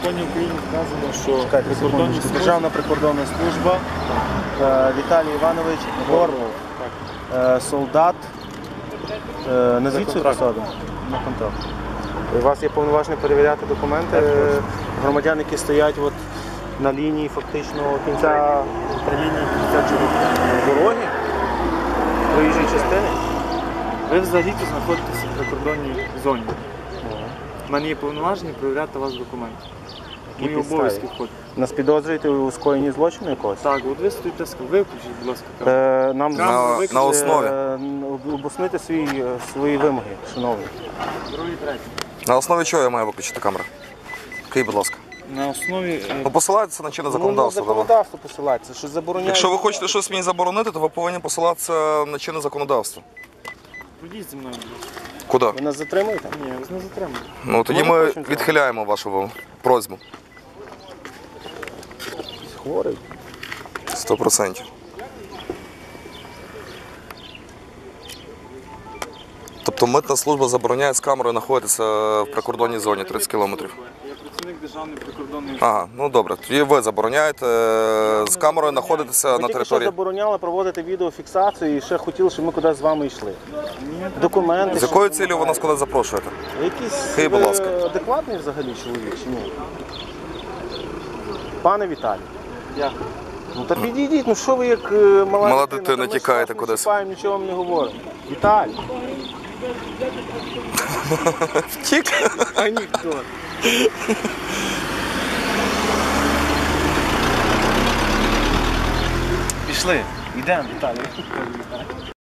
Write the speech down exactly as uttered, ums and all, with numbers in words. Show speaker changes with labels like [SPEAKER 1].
[SPEAKER 1] законі України вказано, що
[SPEAKER 2] Чекайте,
[SPEAKER 1] прикордонні
[SPEAKER 2] секундочку.
[SPEAKER 1] служби...
[SPEAKER 2] Державна прикордонна служба, е, Віталій Іванович Горлов, е, солдат, е, назвіть свою посаду. На контракт. У вас є повноваження перевіряти документи е, громадян, які стоять от на лінії фактично кінця
[SPEAKER 1] При лінії кінця чого?
[SPEAKER 2] дороги, проїжджої частини.
[SPEAKER 1] Ви взагалі-то знаходитеся в прикордонній зоні. У мене є повноваження перевіряти у вас документи. Мої
[SPEAKER 2] підставі?
[SPEAKER 1] обов'язки входять.
[SPEAKER 2] Нас підозрюєте у скоєнні злочину якогось?
[SPEAKER 1] Так, от ви стоїте, виключіть, будь ласка, камеру.
[SPEAKER 2] Е, Нам
[SPEAKER 1] На-
[SPEAKER 2] е,
[SPEAKER 1] на
[SPEAKER 3] основі.
[SPEAKER 2] е, обоснуйте свої, е, свої вимоги, шановні.
[SPEAKER 1] Другий, третій.
[SPEAKER 3] На основі чого я маю виключити камеру? Скажіть, будь ласка.
[SPEAKER 1] На основі... е,
[SPEAKER 3] Ну, посилайтеся на чинне
[SPEAKER 2] Ну, на
[SPEAKER 3] законодавство. давай.
[SPEAKER 2] законодавство посилається, що забороняє.
[SPEAKER 3] Якщо ви хочете щось мені заборонити, то ви повинні посилатися на чинне законодавство.
[SPEAKER 1] Ходіть зі мною, будь ласка.
[SPEAKER 3] Куди?
[SPEAKER 2] Ви нас затримуєте?
[SPEAKER 1] Ні, я вас не затримую.
[SPEAKER 3] Ну, тоді
[SPEAKER 2] Ми
[SPEAKER 3] ми
[SPEAKER 2] хочемо цього.
[SPEAKER 3] відхиляємо вашу просьбу.
[SPEAKER 2] Хворий.
[SPEAKER 3] Сто процентів. Тобто митна служба забороняє з камерою знаходитися в прикордонній зоні тридцять кілометрів.
[SPEAKER 1] Я працівник Державної прикордонної
[SPEAKER 3] Ага, ну добре. Тоді ви забороняєте е, з камерою знаходитися
[SPEAKER 2] Ви
[SPEAKER 3] на
[SPEAKER 2] тільки що
[SPEAKER 3] території.
[SPEAKER 2] забороняли проводити відеофіксацію і ще хотіли, щоб ми кудись з вами йшли. Документи.
[SPEAKER 3] З якою цілею ви нас куди запрошуєте?
[SPEAKER 2] Якийсь
[SPEAKER 3] Скажіть, будь
[SPEAKER 2] ви
[SPEAKER 3] ласка.
[SPEAKER 2] адекватний взагалі чоловік чи ні? Пане Віталій.
[SPEAKER 1] Дякую.
[SPEAKER 2] Ну та підійдіть, ну що ви як е, мала,
[SPEAKER 3] Мала
[SPEAKER 2] дитина,
[SPEAKER 3] дитина,
[SPEAKER 2] та ми ж
[SPEAKER 3] тікаєте
[SPEAKER 2] вас не
[SPEAKER 3] кудись.
[SPEAKER 2] чіпаємо, нічого вам не говоримо. Віталій.
[SPEAKER 3] Втік?
[SPEAKER 2] Анекдот. Пішли, йдемо, Віталій.